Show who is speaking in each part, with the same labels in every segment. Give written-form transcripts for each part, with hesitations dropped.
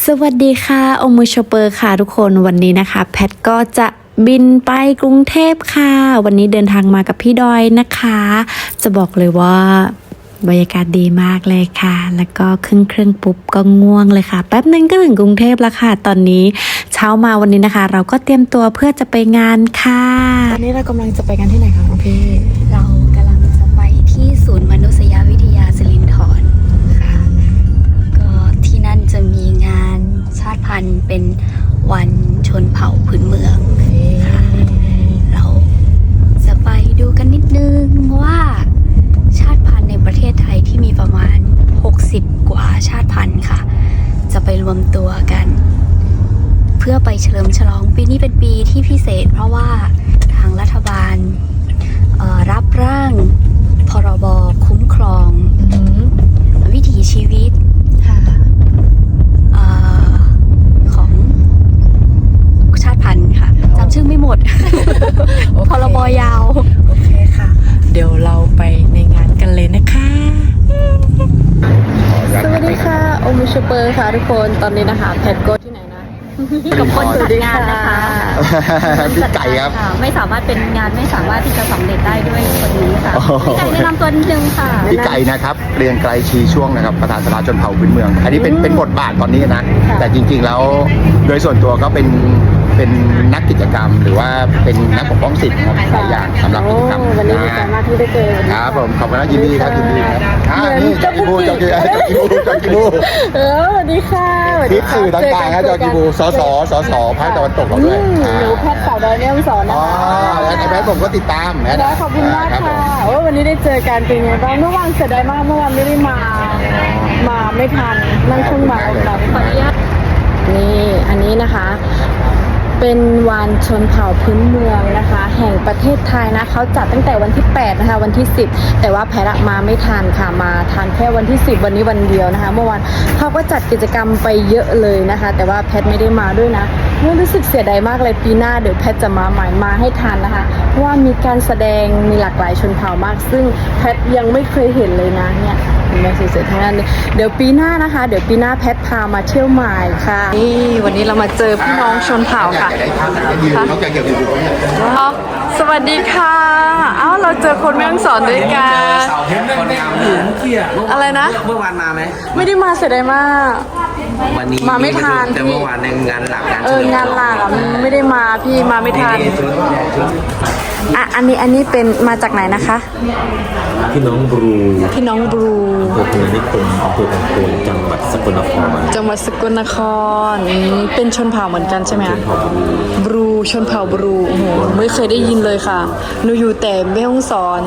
Speaker 1: สวัสดีค่ะโอมูชเปอร์ค่ะทุกคนวันนี้นะคะแพทก็จะบินไปกรุงเทพค่ะวันนี้เดินทางมากับพี่ดอยนะคะจะบอกเลยว่าบรรยากาศดีมากเลยค่ะแล้วก็เครื่องปุ๊บก็ง่วงเลยค่ะแป๊บนึงก็ถึงกรุงเทพแล้วค่ะตอนนี้เช้ามาวันนี้นะคะเราก็เตรียมตัวเพื่อจะไปงานค่ะตอนนี้เรากำลังจะไปกันที่ไหนคะพี่
Speaker 2: เรากำลังจะไปที่ศูนย์มนุษยวิทยาสิรินธรค่ะก็ที่นั่นจะมีงานชาติพันธุ์เป็นวันชนเผ่าพื้นเมืองค่ะเราจะไปดูกันนิดนึงว่าชาติพันธุ์ในประเทศไทยที่มีประมาณ60กว่าชาติพันธุ์ค่ะจะไปรวมตัวกันเพื่อไปเฉลิมฉลองปีนี้เป็นปีที่พิเศษเพราะว่าทางรัฐบาลรับร่างพรบคุ้มครองวิถีชีวิตของชาติพันธุ์ค่ะจำชื่อไม่หมด พรบยาว
Speaker 1: โอเคค่ะเดี๋ยวเราไปในงานกันเลยนะคะสวัสดีค่ะโอมูชเปอร์ค่ะทุกคนตอนนี้นะคะแพทโกที่ไหนนะ
Speaker 2: กับคนจัดงานนะคะ
Speaker 3: พี่ไก่ครับ
Speaker 2: ไม่สามารถเป็นงานไม่สามารถที่จะสำเร็จได้ด้วยคนนี้ค่ะพี่ไก่แนะนำตัวนิดนึงค่ะ
Speaker 3: พี่ไก่นะครับเรียงไกลชีช่วงนะครับประธานสภาชนเผ่าพื้นเมือง อันนี้เป็นบทบาทตอนนี้นะแต่จริงๆแล้วโดยส่วนตัวก็เป็นนักกิจกรรมหรือว่าเป็นนักปกป้องสิทธิ์ครับหลายอย่างสำหรับกิจกรรม
Speaker 1: วันนี้ดีใจมากที่ได้เจอ
Speaker 3: ครับผมขอบคุณนะยินดีครับยินดีครับนี่จอกิบูสวัส
Speaker 1: ดีค่ะ
Speaker 3: ทิพสื่อต่างๆครับจอกิบูสสภาคตะวันตกเราด้วย
Speaker 1: หนูแพทย์สาวดอยเนี่ยสอนนะ
Speaker 3: แล้วไอ้แพทย์ผมก็ติดตาม
Speaker 1: แล้วขอบคุณมากค่ะวันนี้ได้เจอกันเป็นไงบ้างเมื่อวานเสียดายมากเมื่อวานไม่ได้มาไม่ทันนั่งเครื่องมาขออนุญาตนี่อันนี้นะคะเป็นวันชนเผ่าพื้นเมืองนะคะแห่งประเทศไทยนะเขาจัดตั้งแต่วันที่8นะคะวันที่10แต่ว่าแพทมาไม่ทันค่ะมาทันแค่วันที่10วันนี้วันเดียวนะคะเมื่อวานเขาก็จัดกิจกรรมไปเยอะเลยนะคะแต่ว่าแพทไม่ได้มาด้วยนะรู้สึกเสียดายมากเลยปีหน้าเดี๋ยวแพทจะมาใหม่มาให้ทันนะคะเพราะว่ามีการแสดงมีหลากหลายชนเผ่ามากซึ่งแพทยังไม่เคยเห็นเลยนะเนี่ยมาสวยๆทั้งนั้นเลยเดี๋ยวปีหน้านะคะเดี๋ยวปีหน้าแพทพามาเที่ยวใหม่ค่ะนี่วันนี้เรามาเจอพี่น้องชนเผ่าค่ะสวัสดีค่ะเอ้าเราเจอคนแม่ฮ่องสอนด้วยกันอะไรนะ
Speaker 4: เมื่อวานมาไหม
Speaker 1: ไม่ได้มาเสียดายมาก
Speaker 4: วันนี้
Speaker 1: มาไม่ทัน
Speaker 4: แต่เมื่อวานในงานหลัก
Speaker 1: งานหลักไม่ได้มาพี่มาไม่ทันอันนี้เป็นมาจากไหนนะคะ
Speaker 4: พี่น้องบรู
Speaker 1: อำเภอ
Speaker 4: พนิคมอำเภอตงจังหวัดสกลนคร
Speaker 1: เป็นชนเผ่าเหมือนกันใช่ไหมคะบรูชนเผ่าบรูโอ้โหไม่เคยได้ยินเลยค่ะหนูอยู่แต่แม่ฮ่องสอน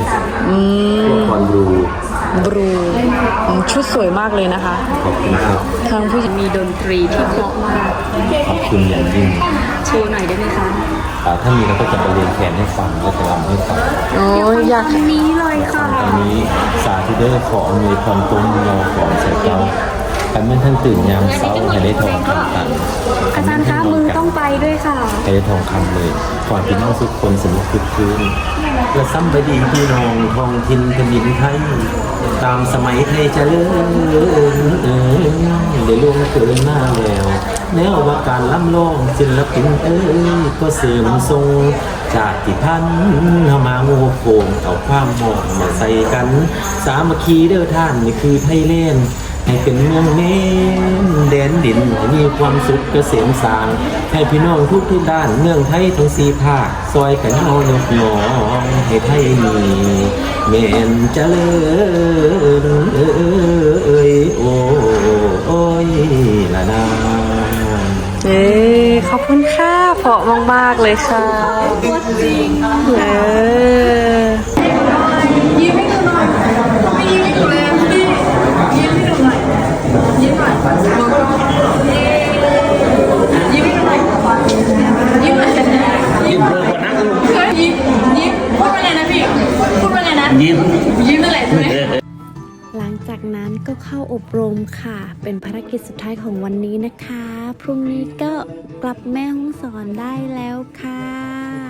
Speaker 1: บรูชุดสวยมากเลยนะคะ
Speaker 4: ขอบคุณครับ
Speaker 1: ทางผู้หญิงมีดนตรีที่เพราะมาก
Speaker 4: ขอบคุณอย่างยิ่ง
Speaker 1: โชว์หน่อยได้ไหมคะ
Speaker 4: ถ้ามีเราก็จะไปเรียนแขนให้ฟังและจะรำให้ฟัง
Speaker 1: อยากนี้เลยค่ะ
Speaker 4: ตอนนี้สาธุเดอร์ขออำนวยความต้นยอของเสร็จแล้วการเมื่อท่านตื่นยามเช้าให้ได้ทองคำตัน
Speaker 1: อาจารย์คะมือต้องไปด้วยค่ะ
Speaker 4: ให้ได้ทองคำเลยก่อนพี่น้องทุกคนสนุกคึกคืนและซ้ำไปดีพี่น้องทองทินแผ่นดินไทยตามสมัยไทยเจริญได้ล่วงเกินหน้าแล้วแนวว่าการล้ำลองศิลปินก็เสริมทรงจากที่พันเข้ามาโง่โกงเอาความหมองมาใส่กันสามัคคีเด้อท่านนี่คือไทยแลนด์ให้เป็นเมืองเน้นแดนดินให้มีความสุขเกษมสางให้พี่น้องทุกด้านเมืองไทยทั้งสี่ภาคซอยกันเอายกน้องให้ไทยมีแม่นเจริญโอ้ยละนา
Speaker 1: ขอบคุณค่ะเพราะมากๆเลยค่ะจริงยิ้มให้ดูหน่อยไม่ยิ้มให้ดูเลยยิ้มให้ดูหน่อยยิ้มหน่อยยิ้มให้ดูหน่อยยิ้มหน่อยยิ้มเลยคนนั่งกันยิ้มพูดว่าไงนะพี่พูดว่าไงนะยิ้มนั่นแหละใช่ไหมหลังจากนั้นก็เข้าอบรมค่ะเป็นภารกิจสุดท้ายของวันนี้นะคะพรุ่งนี้ก็กลับแม่ฮ่องสอนได้แล้วค่ะ